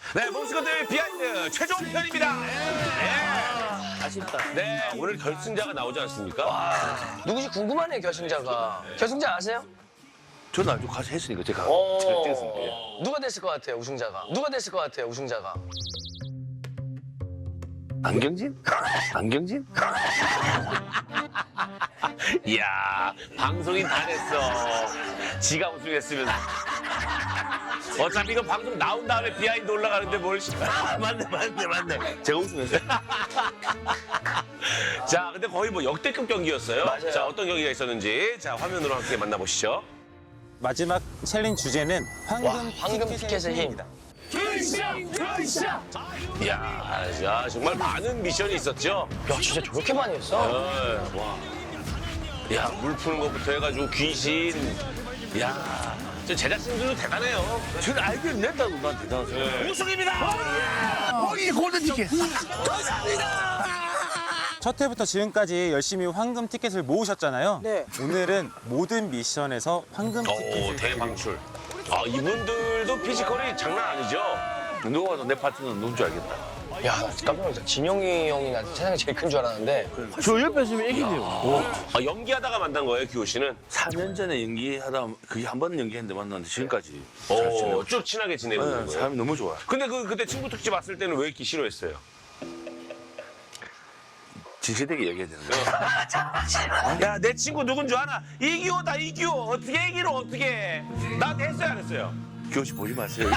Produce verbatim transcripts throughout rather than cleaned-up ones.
네, 몬스터들 비하인드 최종 편입니다. 네. 아쉽다. 네, 오늘 결승자가 나오지 않습니까? 누구지 궁금하네요, 결승자가. 결승자 아세요? 저는 아주 가서 했으니까 제가 어. 결정했습니다. 예. 누가 됐을 것 같아요, 우승자가? 누가 됐을 것 같아요, 우승자가? 안경진? 안경진? 이야, 방송인 다 됐어. 지가 우승했으면. 어차피 이거 방송 나온 다음에 비하인드 올라가는데 뭘. 맞네, 맞네, 맞네. 제가 우승했어요. 자, 근데 거의 뭐 역대급 경기였어요. 맞아요. 자, 어떤 경기가 있었는지 자 화면으로 함께 만나보시죠. 마지막 챌린지 주제는 황금, 와, 황금 티켓의 힘. 이야, 야, 정말 많은 미션이 있었죠. 야, 진짜 저렇게 많이 했어? 어, 와. 야, 물 푸는 것부터 해가지고 귀신. 야, 저 제작진들도 대단해요. 저는 아이디어를 냈다고 난 대단하죠. 거기 골든 티켓. 첫 회부터 지금까지 열심히 황금 티켓을 모으셨잖아요. 네. 오늘은 모든 미션에서 황금 오, 티켓을 대방출. 아, 이분들도 피지컬이 장난 아니죠? 누가 봐도 내 파트너는 누군 줄 알겠다. 야, 나 깜짝 놀랐어. 진영이 형이 나 세상에 제일 큰 줄 알았는데. 저 옆에 있으면 애기네요. 아, 연기하다가 만난 거예요, 규호 씨는? 사 년 전에 연기하다 그게 한 번 연기했는데 만났는데 지금까지 잘 오, 지내고. 쭉 친하게 지내고 있는 네, 거예요. 사람이 너무 좋아. 근데 그 그때 친구 특집 왔을 때는 왜 이렇게 싫어했어요? 진실되게 얘기해야 되는데. 야, 내 친구 누군 줄 아나? 이규호다, 이규호. 어떻게 얘기를 어떻게 해? 나한테 했어요, 안 했어요? 교시 보지 마세요.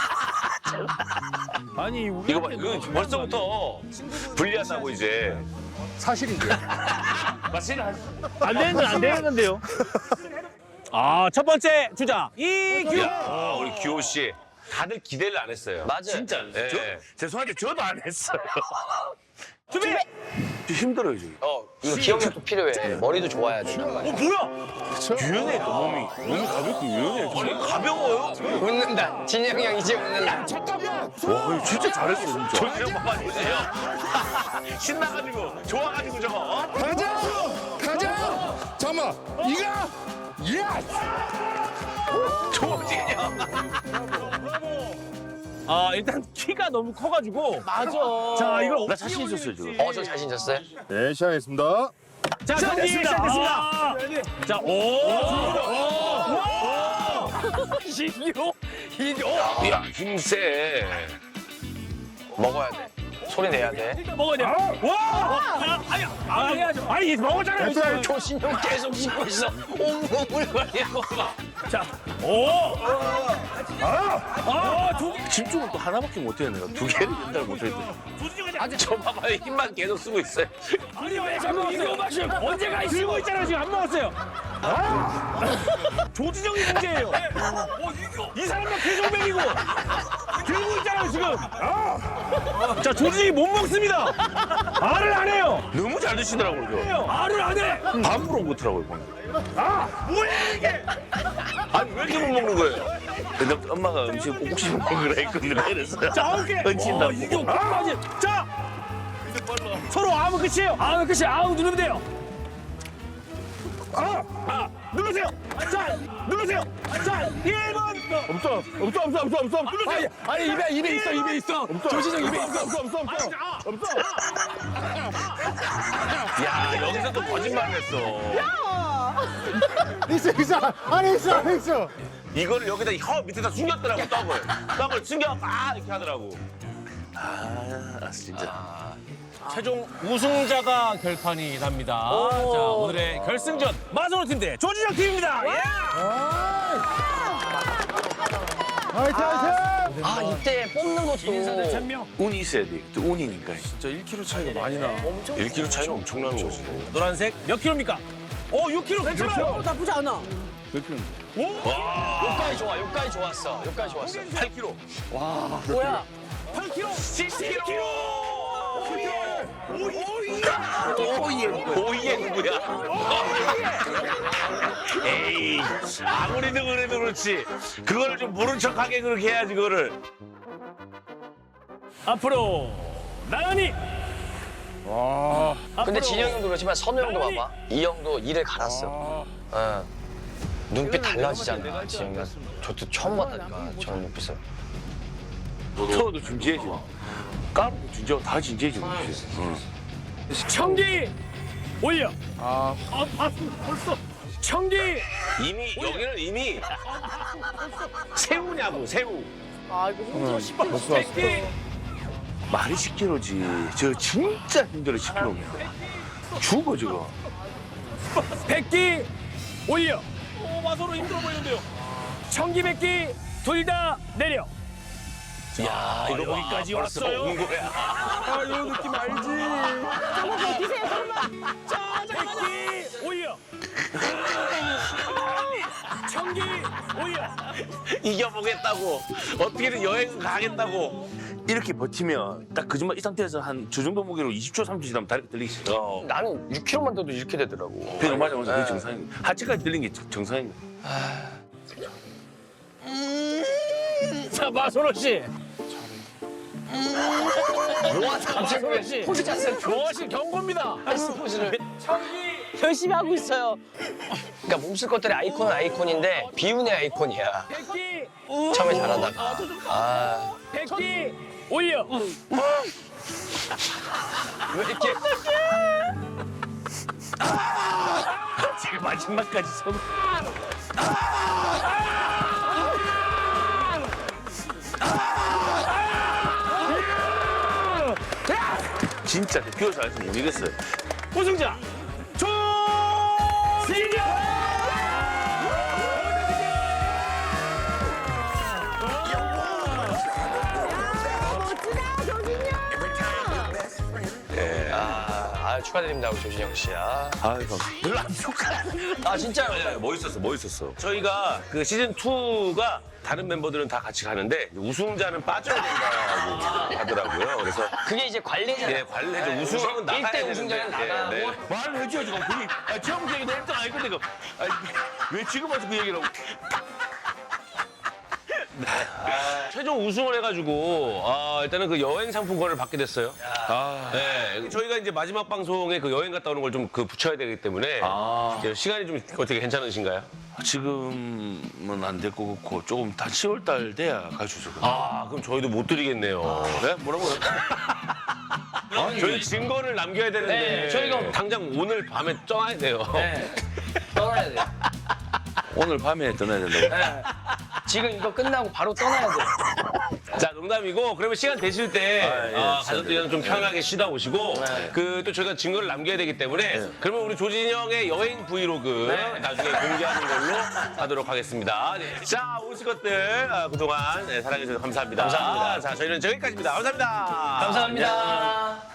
아니 이거 봐, 이거 벌써부터 불리하다고 이제. 사실인데 맞지? 안 되는 안 되는데요. 아 첫 번째 주자 이규. 야, 우리 규호 씨. 다들 기대를 안 했어요. 맞아요. 진짜. 네. 저, 죄송한데 저도 안 했어요. 준비. 좀 힘들어요 지금. 어, 이거 기억력도 필요해. 머리도 좋아야 돼. 어 뭐야? 유연해 또 몸이. 몸이 가볍고 유연해. 아니, 가벼워요? 웃는다. 진영이 형 이제 웃는다. 와 진짜 잘했어 진짜. 조지영 봐봐 주세요. 신나가지고, 좋아가지고 저거. 어? 가자! 가자! 잠깐만! 이가! 예스! 조지영. 아 일단 키가 너무 커가지고. 맞아. 자 이걸 나 자신 있었어요 지금. 어, 저 자신 있었어요? 네, 시작하겠습니다. 자 경기 시작됐습니다. 자 오. 이규. 이규. 야, 힘세. 먹어야 돼. 소리 내야 돼. 먹어야 돼. 와. 아니 아니 아니 먹었잖아요. 됐어요. 조신영 계속 씹고 있어. 온몸을 걸리고. 자 오. 아. 두 개. 집중을 또 하나밖에 못해요 내가. 두 개를 옛날 못했는데. 아주 저 봐봐요. 힘만 계속 쓰고 있어요. 아니 왜 자꾸 이거 마시면 언제가 있어? 들고 있잖아요 지금 안 먹었어요. 조지정이 문제예요. 이 사람만 계속 먹이고 들고 있잖아요 지금. 자 조지정이 못 먹습니다. 말을 안 해요. 너무 잘 드시더라고요. 저. 말을 안 해. 밥으로 못하라고요 방금. 뭐야 이게? 아니, 왜 이렇게 못 먹는 거예요? 근데 엄마가 음식 꼭 씹어 먹으라 했거든요. 그래서 자 아홉 개. 얹힌다고. 이게 끝까지. 자 서로 아무 끝이에요. 아무 끝이 아우 누르면 돼요. 아, 아 누르세요. 자 누르세요. 자 일 번. 없어, 없어, 없어, 없어, 없어. 누르세요. 아니, 입에, 입에 있어, 입에 있어. 조시정 입에 있어, 없어, 없어, 없어. 없어. 야, 여기서 또 거짓말을 했어. 있어, 있어. 안에 있어, 안에 있어. 이거를 여기다 혀 밑에다 숨겼더라고, 떡을. 떡을 숨겨, 아, 이렇게 하더라고. 아 진짜. 최종 우승자가 결판이 납니다. 자 오늘의 결승전 마지노 팀 대 조지정 팀입니다. 예! 화이팅, 화이팅! 아, 이때 뽑는 것도. 명. 운이 있어야 돼. 또 운이니까. 일 킬로그램 차이가 엄청나는 거지. 노란색 몇 킬로입니까? 오 육 킬로 괜찮아요. 나쁘지 않아. 여기까지 좋아, 여기까지 좋았어. 여기까지 좋았어. 팔 킬로그램. 뭐야? 팔 킬로. 십 킬로그램. 오이에 오이에 누구야? 에이, 아무리 그래도 그렇지. 그거를 좀 모른 척하게 그렇게 해야지, 그거를. 앞으로 나연이. 근데 진영이 형도 그렇지만 선우 형도 봐봐. 이 형도 이를 갈았어. 어. 눈빛 달라지잖아, 진영이가. 저도 처음 봤다니까, 저런 눈빛을. 터도 진지해지고 까르도 진지하고 다 진지해지고 있지. 응. 청기 올려. 아, 봤어 벌써. 청기 이미 여기는 이미 새우냐고 새우. 아 이거 힘들어 싶어. 백기 말이 십 킬로지. 저 진짜 힘들어 십 킬로입니다. 죽어 저거. 백기 올려. 오 마소로 힘들어 보이는데요. 청기 백기 둘 다 내려. 야 이거 여기까지 벌써 왔어요. 온 거야. 아 이거 느낌 알지. 잠깐만 버티세요 잠깐만. 자 백기 올려. 청기 올려. 이겨보겠다고. 어떻게든 여행 가겠다고. 이렇게 버티면 딱 거짓말 이 상태에서 한 저 정도 무게로 이십 초, 삼십 초 지나면 다리가 들리기 시작해. 나는 육 킬로그램만 돼도 이렇게 되더라고. 그러니까 맞아 맞아 그게 정상입니다. 하체까지 들린 게 정- 정상입니다. 자 마소로 씨. 갑자기 씨. 포즈 자세 좋아하실 경고입니다. 헬스 포즈를. 열심히 하고 있어요. 그러니까 몸쓸 것들의 아이콘은 아이콘인데 비운의 아이콘이야. 백기 처음에 잘하다가. 아. 백기 올려. 왜 이렇게. 지금 마지막까지 선. 진짜 비워서 안 했으면 못 이겼어요. 우승자 조진영. 아, 아 축하드립니다 우리 조진영 씨. 아, 아이고. 별로 안 축하. 아 진짜요? 네, 멋있었어, 멋있었어. 저희가 그 시즌 이가 다른 멤버들은 다 같이 가는데 우승자는 빠져야 된다고 하더라고요. 그래서 그게 이제 관례잖아. 예, 관례죠. 우승하면 나가야 일 대 되는데. 우승자는 예, 나가고. 네. 말을 해줘야지. 그럼 그게 아, 처음 얘기도 일 등 아니거든. 이거. 아니, 왜 지금 와서 그 얘기를 하고. 최종 우승을 해가지고 아, 일단은 그 여행 상품권을 받게 됐어요. 아, 네, 저희가 이제 마지막 방송에 그 여행 갔다 오는 걸 좀 그 붙여야 되기 때문에 아. 이제 시간이 좀 어떻게 괜찮으신가요? 지금은 안 될 것 같고 조금 다 시월 달 돼야 갈 수 있을 것 같아요. 아, 그럼 저희도 못 드리겠네요. 네? 뭐라고요? 아, 저희 증거를 남겨야 되는데 네, 저희가- 당장 오늘 밤에 떠나야 돼요. 네. 떠나야 돼. 오늘 밤에 떠나야 된다고. 네. 지금 이거 끝나고 바로 떠나야 돼. 자, 농담이고 그러면 시간 되실 때 아, 예, 아, 시간 가족들이랑 좀 편하게 쉬다 오시고 그 또 저희가 증거를 남겨야 되기 때문에 그러면 우리 조진영의 여행 브이로그 나중에 공개하는 걸로 하도록 하겠습니다. 네. 자, 오실 것들 아, 그동안 네, 사랑해 주셔서 감사합니다. 감사합니다. 자, 저희는 여기까지입니다. 감사합니다. 감사합니다.